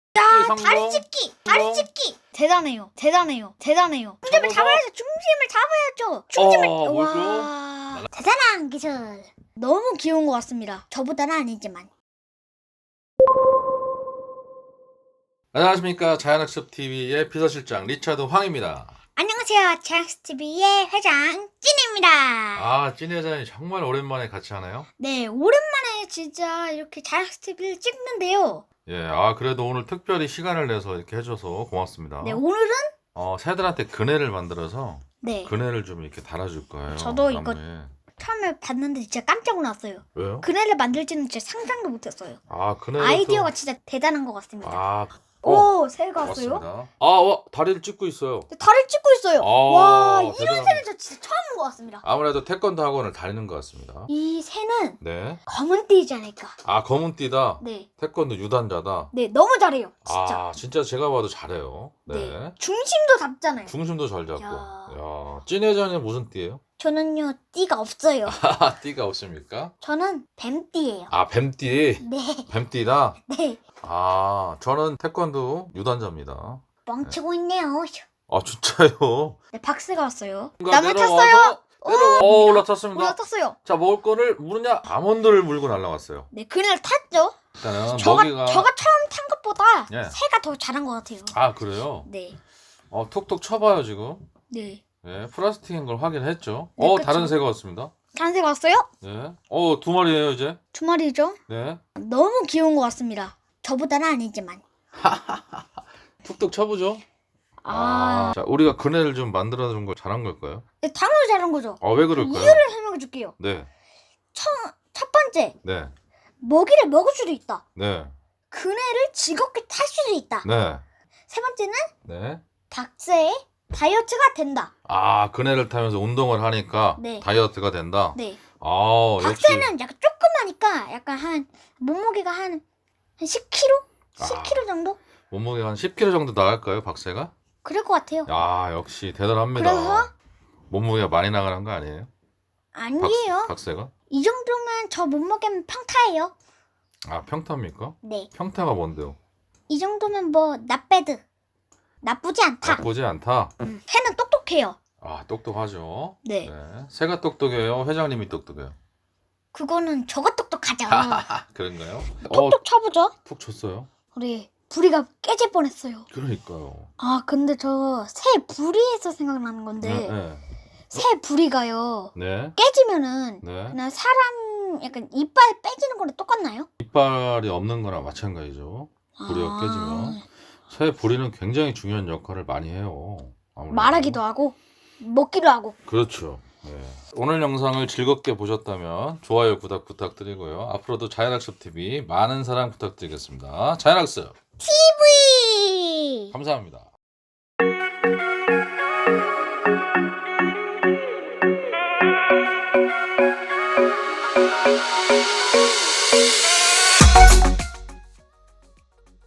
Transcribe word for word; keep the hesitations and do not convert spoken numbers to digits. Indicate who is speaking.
Speaker 1: 야,
Speaker 2: 성공.
Speaker 1: 다리 찢기, 다리
Speaker 2: 성공.
Speaker 1: 찢기. 대단해요, 대단해요, 대단해요. 중심을
Speaker 2: 잡아서.
Speaker 1: 잡아야죠. 중심을 잡아야죠. 중심을.
Speaker 2: 어, 뭘까?
Speaker 1: 와, 대단한 기술. 너무 귀여운 것 같습니다. 저보다는 아니지만.
Speaker 2: 안녕하십니까. 자연학습티비의 비서실장 리차드 황입니다.
Speaker 1: 안녕하세요, 자연스티비의 회장 찐입니다.
Speaker 2: 아, 찐 회장님 정말 오랜만에 같이 하나요?
Speaker 1: 네, 오랜만에 진짜 이렇게 자연스티비를 찍는데요.
Speaker 2: 예, 아 그래도 오늘 특별히 시간을 내서 이렇게 해줘서 고맙습니다.
Speaker 1: 네, 오늘은
Speaker 2: 어, 새들한테 그네를 만들어서
Speaker 1: 네,
Speaker 2: 그네를 좀 이렇게 달아줄 거예요.
Speaker 1: 저도 이거-
Speaker 2: 나무에.
Speaker 1: 처음에 봤는데 진짜 깜짝 놀랐어요.
Speaker 2: 왜요?
Speaker 1: 그네를 만들지는 진짜 상상도 못했어요.
Speaker 2: 아, 그네
Speaker 1: 아이디어가 진짜 대단한 것 같습니다.
Speaker 2: 아,
Speaker 1: 오, 새가 왔어요?
Speaker 2: 고맙습니다. 아, 와, 다리를 찢고 있어요.
Speaker 1: 다리를 찢고 있어요.
Speaker 2: 아,
Speaker 1: 와, 이런
Speaker 2: 대단합니다.
Speaker 1: 새는 저 진짜 처음 본 것 같습니다.
Speaker 2: 아무래도 태권도 학원을 다니는 것 같습니다.
Speaker 1: 이 새는
Speaker 2: 네.
Speaker 1: 검은 띠지 않을까.
Speaker 2: 아, 검은띠다.
Speaker 1: 네,
Speaker 2: 태권도 유단자다.
Speaker 1: 네, 너무 잘해요. 진짜.
Speaker 2: 아, 진짜 제가 봐도 잘해요. 네.
Speaker 1: 네. 중심도 잡잖아요.
Speaker 2: 중심도 잘 잡고.
Speaker 1: 야.
Speaker 2: 야, 찐 회장님 무슨 띠예요?
Speaker 1: 저는요, 띠가 없어요.
Speaker 2: 아, 띠가 없습니까?
Speaker 1: 저는 뱀띠예요.
Speaker 2: 아, 뱀띠.
Speaker 1: 네,
Speaker 2: 뱀띠다.
Speaker 1: 네.
Speaker 2: 아, 저는 태권도 유단자입니다.
Speaker 1: 멍치고 있네요.
Speaker 2: 아, 진짜요?
Speaker 1: 네, 박스가 왔어요.
Speaker 2: 뭔가
Speaker 1: 나무
Speaker 2: 내려와서
Speaker 1: 탔어요.
Speaker 2: 내려와. 어, 올라탔습니다.
Speaker 1: 올라탔어요.
Speaker 2: 자, 먹을 거를 물으냐? 아몬드를 물고 날라왔어요.
Speaker 1: 네, 그날 탔죠.
Speaker 2: 일단은
Speaker 1: 저가,
Speaker 2: 먹이가
Speaker 1: 저가 처음 탄 것보다
Speaker 2: 예.
Speaker 1: 새가 더 잘한 것 같아요.
Speaker 2: 아, 그래요?
Speaker 1: 네,
Speaker 2: 어, 톡톡 쳐봐요, 지금.
Speaker 1: 네.
Speaker 2: 예, 플라스틱인 걸 확인했죠.
Speaker 1: 네,
Speaker 2: 어,
Speaker 1: 그쵸.
Speaker 2: 다른 새가 왔습니다.
Speaker 1: 다른 새가 왔어요?
Speaker 2: 네. 어, 두 마리예요, 이제.
Speaker 1: 두 마리죠.
Speaker 2: 네.
Speaker 1: 너무 귀여운 것 같습니다. 저보다는 아니지만.
Speaker 2: 툭툭 쳐보죠.
Speaker 1: 아,
Speaker 2: 자, 우리가 그네를 좀 만들어준 걸 잘한 걸까요?
Speaker 1: 네, 당연히 잘한 거죠.
Speaker 2: 아, 왜 그럴까요?
Speaker 1: 이유를 설명해 줄게요.
Speaker 2: 네,
Speaker 1: 첫, 첫 번째,
Speaker 2: 네,
Speaker 1: 먹이를 먹을 수도 있다.
Speaker 2: 네,
Speaker 1: 그네를 즐겁게 탈 수도 있다.
Speaker 2: 네,
Speaker 1: 세 번째는
Speaker 2: 네.
Speaker 1: 박스의 다이어트가 된다.
Speaker 2: 아, 그네를 타면서 운동을 하니까
Speaker 1: 네.
Speaker 2: 다이어트가 된다.
Speaker 1: 네.
Speaker 2: 아, 역시.
Speaker 1: 박스는 약간 조그마니까 약간 한 몸무게가 한, 한 십 킬로그램? 십 킬로그램 정도?
Speaker 2: 몸무게가 한 십 킬로그램 정도 나갈까요, 박새가?
Speaker 1: 그럴 것 같아요.
Speaker 2: 야, 역시 대단합니다.
Speaker 1: 그래서?
Speaker 2: 몸무게가 많이 나가는 거 아니에요?
Speaker 1: 아니에요.
Speaker 2: 박새가?
Speaker 1: 이 정도면 저 몸무게면 평타예요.
Speaker 2: 아, 평타입니까?
Speaker 1: 네.
Speaker 2: 평타가 뭔데요?
Speaker 1: 이 정도면 뭐 나빼드. 나쁘지 않다.
Speaker 2: 나쁘지 않다.
Speaker 1: 음, 새는 똑똑해요.
Speaker 2: 아, 똑똑하죠.
Speaker 1: 네.
Speaker 2: 네. 새가 똑똑해요. 회장님이 똑똑해요.
Speaker 1: 그거는 저가 똑똑하죠.
Speaker 2: 아, 그런가요? 어,
Speaker 1: 톡톡 쳐보죠.
Speaker 2: 푹 쳤어요.
Speaker 1: 우리 부리가 깨질 뻔했어요.
Speaker 2: 그러니까요.
Speaker 1: 아 근데 저 새 부리에서 생각나는 건데
Speaker 2: 네, 네.
Speaker 1: 새 부리가요
Speaker 2: 네.
Speaker 1: 깨지면은
Speaker 2: 네.
Speaker 1: 그냥 사람 약간 이빨 빼지는 거랑 똑같나요?
Speaker 2: 이빨이 없는 거랑 마찬가지죠. 부리가
Speaker 1: 아,
Speaker 2: 깨지면. 새 부리는 굉장히 중요한 역할을 많이 해요. 아무래도.
Speaker 1: 말하기도 하고 먹기도 하고.
Speaker 2: 그렇죠. 네. 오늘 영상을 즐겁게 보셨다면 좋아요, 구독 부탁드리고요. 앞으로도 자연학습티비 많은 사랑 부탁드리겠습니다. 자연학습
Speaker 1: 티비
Speaker 2: 감사합니다.